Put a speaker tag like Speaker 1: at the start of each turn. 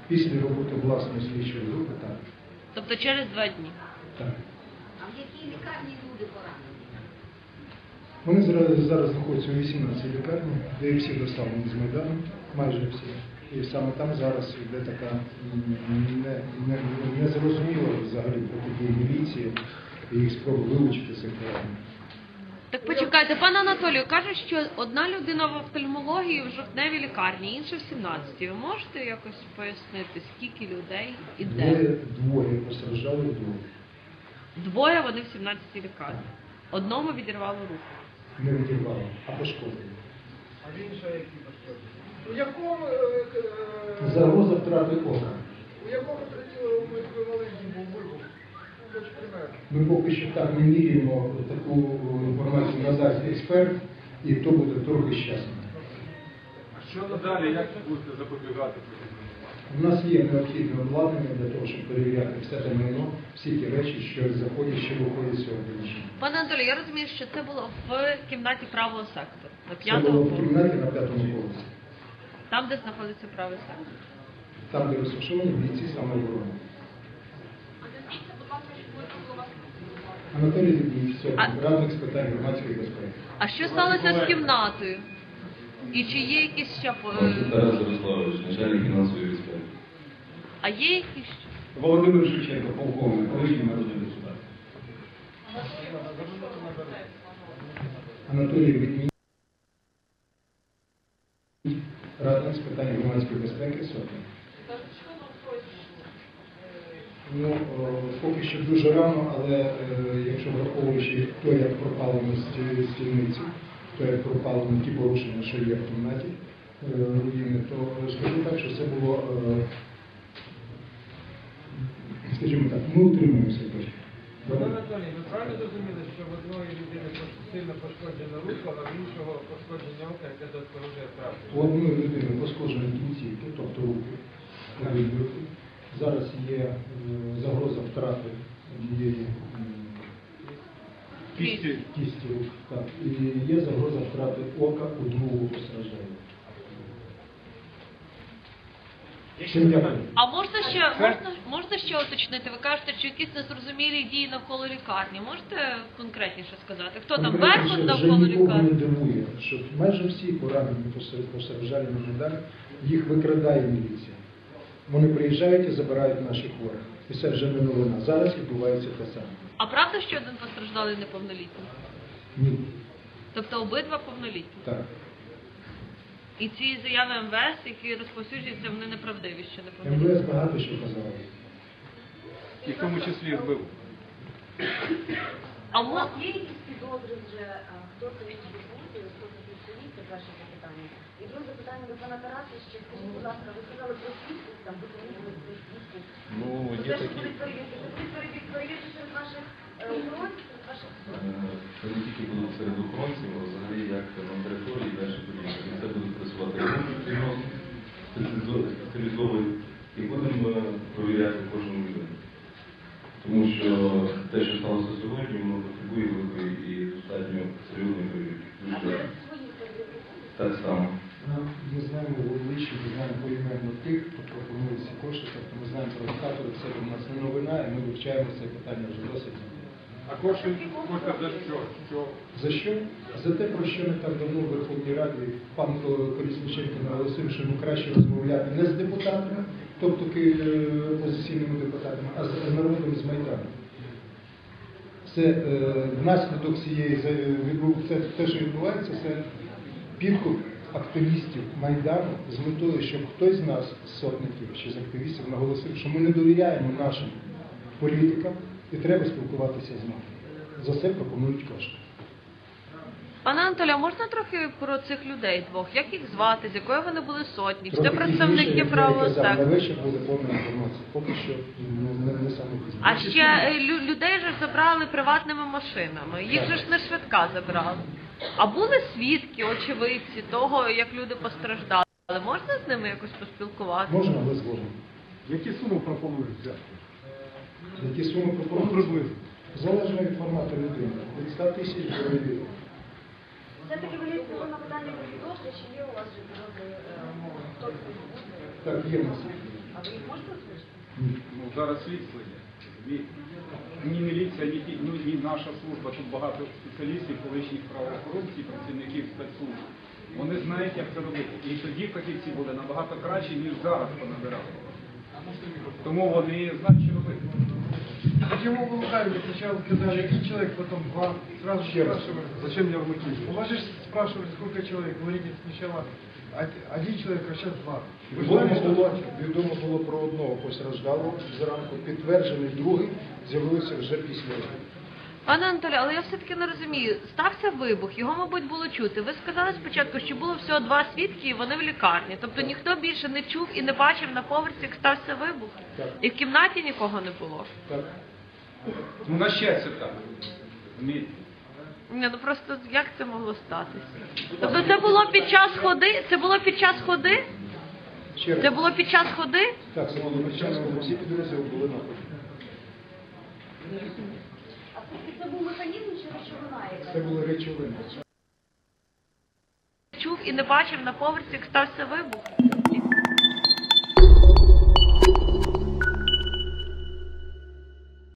Speaker 1: Після роботи власної слідчої групи, так.
Speaker 2: Тобто через 2 дні?
Speaker 1: Так.
Speaker 3: А в якій лікарні люди поранені?
Speaker 1: Вони зараз знаходяться у 18 лікарні, де всі доставлені з Майдану, майже всі. І саме там зараз йде така незрозуміла взагалі протидія міліції і їх спроби вилучити цих поранених.
Speaker 2: Так почекайте, пане Анатолію, кажуть, що одна людина в офтальмології в жовтневій лікарні, інша в 17-й. Ви можете якось пояснити, скільки людей і де?
Speaker 1: Двоє постраждали,
Speaker 2: Двоє вони в 17-й лікарні. Одному відірвало руку.
Speaker 1: Не відірвало, а пошкодили.
Speaker 4: А в іншого які пошкодження? У якому
Speaker 1: Загроза втрати ока.
Speaker 4: у якому третьому еквіваленті був вибух? Хоч примерно.
Speaker 1: Ми поки що так не міряємо, таку інформацію надасть експерт, і то буде трохи з часом.
Speaker 5: А що надалі, як будете запобігати?
Speaker 1: У нас є необхідне обладнання для того, щоб перевіряти все те майно, всі ті речі, що заходять, що виходять з цього приміщення.
Speaker 2: Пане Анатолію, я розумію, що це було в кімнаті правого сектору, на
Speaker 1: Це
Speaker 2: 5-му
Speaker 1: було в
Speaker 2: поверсі.
Speaker 1: кімнаті на 5-му поверсі.
Speaker 2: Там, де знаходиться правий сектор.
Speaker 1: Там, де розташовані бійці самооборони. Анатолій Дідній, радник з питань громадської безпеки.
Speaker 2: А що сталося з кімнатою? І чи є якісь ще...
Speaker 6: Тарас Ярославович, начальник фінансової безпеки.
Speaker 2: А є якісь ще?
Speaker 6: Володимир Шевченко, полковник, колишній народний депутат.
Speaker 1: Анатолій Дідній, радник з питань громадської безпеки, сотник. Ну, поки що дуже рано, але якщо враховуючи то, як пропалено стільниці, то, як пропалено ті порушення, що є в кімнаті руїни, то скажу так, що це було, скажімо так, ми утримуємося точно.
Speaker 4: Пане Анатолій, ви правильно зрозуміли, що в одної людини сильно пошкоджена рука, а в іншого пошкодження ока, яке загрожує втратою?
Speaker 1: У одної людини пошкоджені кінцівки, тобто руки, руки. Зараз є загроза втрати однієї кісті рук. Так. І є загроза втрати ока у другого постраждалого.
Speaker 2: А можна ще уточнити? Ви кажете, що якісь незрозумілі дії навколо лікарні. Можете конкретніше сказати? Хто там Беркут навколо
Speaker 1: вже нікого не
Speaker 2: лікарні?
Speaker 1: дивує, що майже всі поранені постраждалі на Майдані, їх викрадає міліція. Вони приїжджають і забирають наших хворих. І це вже не новина. Зараз відбувається те саме.
Speaker 2: А правда, що один постраждалий неповнолітній?
Speaker 1: Ні.
Speaker 2: Тобто обидва повнолітні?
Speaker 1: Так.
Speaker 2: І ці заяви МВС, які розповсюджуються, вони неправдиві, що неповнолітні?
Speaker 1: МВС багато що казали.
Speaker 5: І в тому числі вбив.
Speaker 2: А
Speaker 3: У вас є якісь підозри вже, хто це відбуває, хто це підсовіт, це перше запитання. І друге запитання до пана Тараса, ще скажіть, будь ласка, ви сказали про свідків, там, ви помітили про свідків.
Speaker 6: Ну, є
Speaker 3: Те, що
Speaker 6: такі.
Speaker 3: будуть перевірки серед ваших охоронців, серед ваших...
Speaker 6: Це не тільки будуть серед охоронців, а взагалі як на території далі подібне. Це будуть працювати спеціалізовані і будемо перевіряти кожну людину. Тому що те, що сталося сьогодні, воно потребує великої і достатньо серйозної перевірки. Так само.
Speaker 1: Ми знаємо вуличі, ми знаємо поіменно тих, хто пропонує ці кошти, тобто ми знаємо провокаторів, це у нас не новина, і ми вивчаємо це питання вже досить.
Speaker 5: А кошти за що?
Speaker 1: За що? За те, про що не так давно в Верховній Раді пан Колісниченко наголосив, що йому краще розмовляти не з депутатами, тобто опозиційними депутатами, а з народом з Майдану. Це внаслідок цієї, те, що відбувається, це підкуп активістів Майдану з метою, щоб хтось з нас, з сотників чи з активістів, наголосив, що ми не довіряємо нашим політикам і треба спілкуватися з ними. За це пропонують кошти.
Speaker 2: Пане Анатолію, а можна трохи про цих людей двох? Як їх звати, з якої вони були сотні? Чи це
Speaker 1: Трохи
Speaker 2: представники
Speaker 1: пізніше,
Speaker 2: правого
Speaker 1: як я казав,
Speaker 2: сектору?
Speaker 1: на вечір буде повна інформація. Поки що не саме пізніше.
Speaker 2: А ще людей же ж забрали приватними машинами. Їх же ж не швидка забрали. А були свідки, очевидці того, як люди постраждали. Можна з ними якось поспілкуватися?
Speaker 1: Можна, але згодом.
Speaker 5: Які суми пропонують взяти?
Speaker 1: Які суми пропонують?
Speaker 5: Приблизно.
Speaker 1: Залежно від формату людини. Від 100 тисяч до мільйонів.
Speaker 3: Все-таки ви відповіли на питання про підозри, чи є у вас вже підозри, хто це буде?
Speaker 1: Так, є в нас.
Speaker 3: А А ви їх можете озвучити?
Speaker 5: Ну, зараз слідство є. Ні міліція, ні наша служба, тут багато спеціалістів, колишніх правоохоронців, працівників спецслужб. Вони знають, як це робити. І тоді фахівці були набагато кращі, ніж зараз понабирали. Тому вони знають, що робити.
Speaker 4: Почему вы лгали? Вы сначала сказали один человек, потом два. Сразу же спрашивали, зачем меня вмутили? У вас же спрашивали, сколько человек. Говорите сначала один человек, а сейчас два. Вы
Speaker 1: Відомо було про одного постраждалого зранку, підтверджений другий з'явився вже після.
Speaker 2: Пане Анатолію, але я все-таки не розумію. Стався вибух, його, мабуть, було чути. Ви сказали спочатку, що було всього 2 свідки, і вони в лікарні. Тобто ніхто більше не чув і не бачив на поверсі, як стався вибух?
Speaker 1: Так.
Speaker 2: І в кімнаті нікого не було?
Speaker 1: Так.
Speaker 5: Ну, на щастя так. Розумієте?
Speaker 2: Ні, ну просто як це могло статися? Тобто це було під час ходи? Це було під час ходи?
Speaker 1: Ще раз.
Speaker 2: Це було під час ходи?
Speaker 1: Так, це було під час, коли всі підрозділи були на ході.
Speaker 3: А це був механізм чи речовина яка?
Speaker 1: Це були речовини.
Speaker 2: Чув і не бачив на поверсі, як стався вибух?